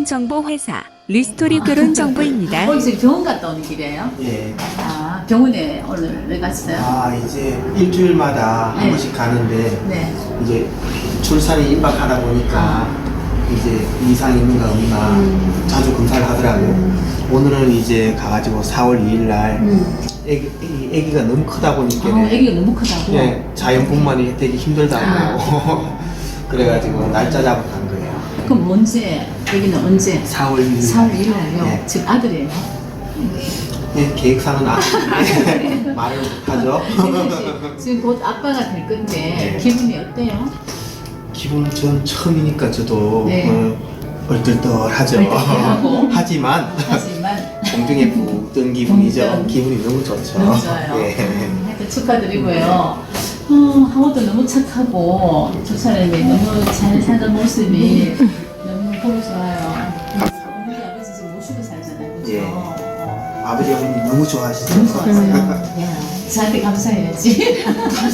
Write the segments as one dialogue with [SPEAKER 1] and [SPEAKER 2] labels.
[SPEAKER 1] 결혼정보회사 리스토리 결혼정보입니다.
[SPEAKER 2] 지금 병원 갔다 오는 길이에요?
[SPEAKER 3] 예.
[SPEAKER 2] 아, 병원에 오늘 왜 갔어요?
[SPEAKER 3] 이제 일주일마다 한
[SPEAKER 2] 네.
[SPEAKER 3] 번씩 가는데,
[SPEAKER 2] 네.
[SPEAKER 3] 이제 출산이 임박하다 보니까, 이제 이상 있는가 없나 자주 검사를 하더라고요. 오늘은 이제 가가지고 4월 2일 날, 애기가 너무 크다 보니까,
[SPEAKER 2] 애기가 너무 크다고?
[SPEAKER 3] 예, 자연분만이 되게 힘들다고. 그래가지고 날짜 잡고 간 거예요.
[SPEAKER 2] 그럼 언제? 애기는 언제?
[SPEAKER 3] 4월 1일.
[SPEAKER 2] 4월 1일날요?
[SPEAKER 3] 네.
[SPEAKER 2] 지금 아들이에요?
[SPEAKER 3] 예, 계획상은 말을 못하죠.
[SPEAKER 2] 지금 곧 아빠가 될 건데
[SPEAKER 3] 네.
[SPEAKER 2] 기분이 어때요?
[SPEAKER 3] 기분 전 처음이니까 저도
[SPEAKER 2] 네.
[SPEAKER 3] 얼떨떨하죠.
[SPEAKER 2] 얼떨떨하고.
[SPEAKER 3] 하지만 공중에 푹 뜬 기분이죠.
[SPEAKER 2] 붕 뜬.
[SPEAKER 3] 기분이 너무 좋죠.
[SPEAKER 2] 너무 좋아요.
[SPEAKER 3] 예.
[SPEAKER 2] 하여튼 축하드리고요. 하고도 너무 착하고 두 사람이 너무 잘 사는 모습이 너무 보기 좋아요. 어머니 아버지 지금 모시고 살잖아요. 그죠?
[SPEAKER 3] 예. 아버지 어머니 너무 좋아하시죠?
[SPEAKER 2] 너무 좋아하세요. 야, 저한테 감사해야지.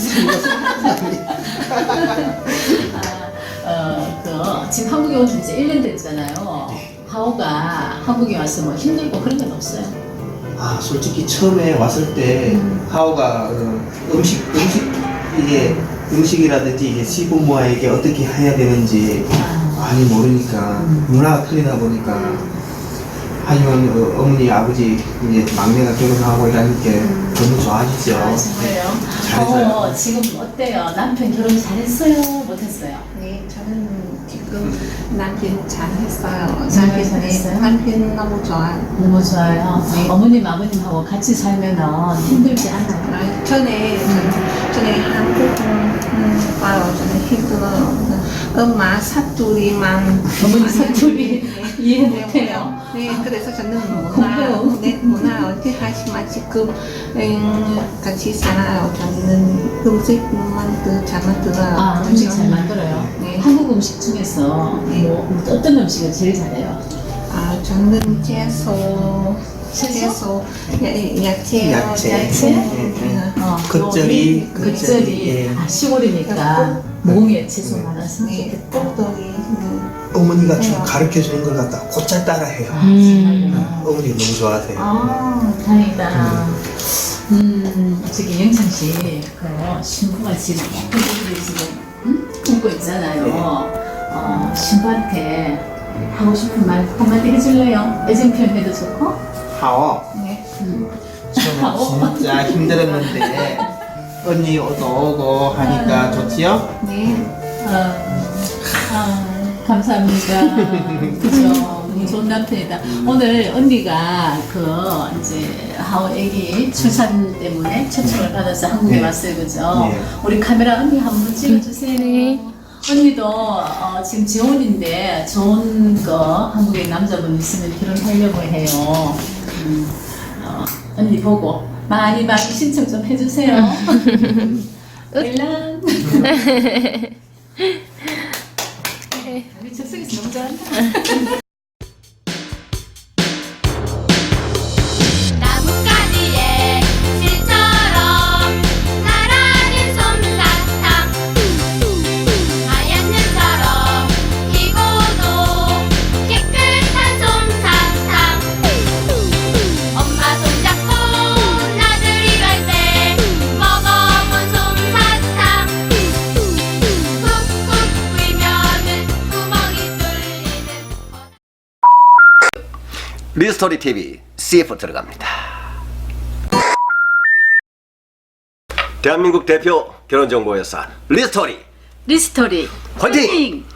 [SPEAKER 2] 지금 한국에 온 지 이제 1년 됐잖아요. 하오가 한국에 와서 뭐 힘들고 그런 건 없어요?
[SPEAKER 3] 솔직히 처음에 왔을 때 하오가 음식이라든지 이게 시부모에게 어떻게 해야 되는지 많이 모르니까 문화가 틀리다 보니까 하지만 어머니 아버지 이제 막내가 결혼하고 이러니까 너무 좋아하시죠.
[SPEAKER 2] 좋아요.
[SPEAKER 3] 잘했어요.
[SPEAKER 2] 지금 어때요? 남편 결혼 잘했어요? 못했어요?
[SPEAKER 4] 네, 저는 지금 남편 잘했어요.
[SPEAKER 2] 정말 잘했어요?
[SPEAKER 4] 남편 너무 좋아요.
[SPEAKER 2] 너무 좋아요.
[SPEAKER 4] 네.
[SPEAKER 2] 어머님 아버님하고 같이 살면 힘들지 않아요?
[SPEAKER 4] 전에 한국 와요. 저는 힘들어요. 엄마 사투리만
[SPEAKER 2] 어머니 사투리 이해 못해요.
[SPEAKER 4] 네, 그래서 저는
[SPEAKER 2] 공부.
[SPEAKER 4] 문화 어떻게 하지만 지금 같이 살아요. 저는 음식만 잘 만들어요.
[SPEAKER 2] 음식 잘 만들어요.
[SPEAKER 4] 네.
[SPEAKER 2] 한국 음식 중에서
[SPEAKER 4] 네.
[SPEAKER 2] 뭐 어떤 음식을 제일 잘해요?
[SPEAKER 4] 저는 채소, 야채.
[SPEAKER 3] 겉절이,
[SPEAKER 2] 겉절이. 시골이니까 몽에 채소 많아서
[SPEAKER 4] 네,
[SPEAKER 2] 좋겠다.
[SPEAKER 4] 떡떡이.
[SPEAKER 3] 어머니가 좀 가르쳐 주는 걸 갖다 곧잘 따라해요. 어머니 너무 좋아하세요.
[SPEAKER 2] 다행이다. 저기 영창씨, 그 신부가 지금 그들이 지금 꿈고 있잖아요. 신부한테 하고 싶은 말 한마디 해줄래요? 애정 표현해도 좋고?
[SPEAKER 4] 하오.
[SPEAKER 3] 저는 진짜 힘들었는데 언니 오고 하니까 좋지요?
[SPEAKER 4] 네.
[SPEAKER 2] 감사합니다. 그죠? 너무 좋은 남편이다. 오늘 언니가 이제 하오 애기 출산 때문에 초청을 받아서 한국에
[SPEAKER 3] 네.
[SPEAKER 2] 왔어요. 그죠?
[SPEAKER 3] 네.
[SPEAKER 2] 우리 카메라 언니 한번 찍어주세요. 언니도 지금 재혼인데 좋은 거 한국에 남자분 있으면 결혼하려고 해요. 언니 보고 많이 신청 좀 해주세요. 일란. 우리 즉석에서 너무 잘한다.
[SPEAKER 5] 나뭇가지에 실처럼 나란히 솜사탕 하얀 눈처럼 희고도 깨끗한 솜사탕 엄마 손잡고 나들이 갈 때 먹어본 솜사탕 꾹꾹 불면은 구멍이 뚫리는
[SPEAKER 6] 리스토리 TV CF 들어갑니다. 대한민국 대표 결혼정보회사 리스토리
[SPEAKER 2] 리스토리
[SPEAKER 6] 화이팅!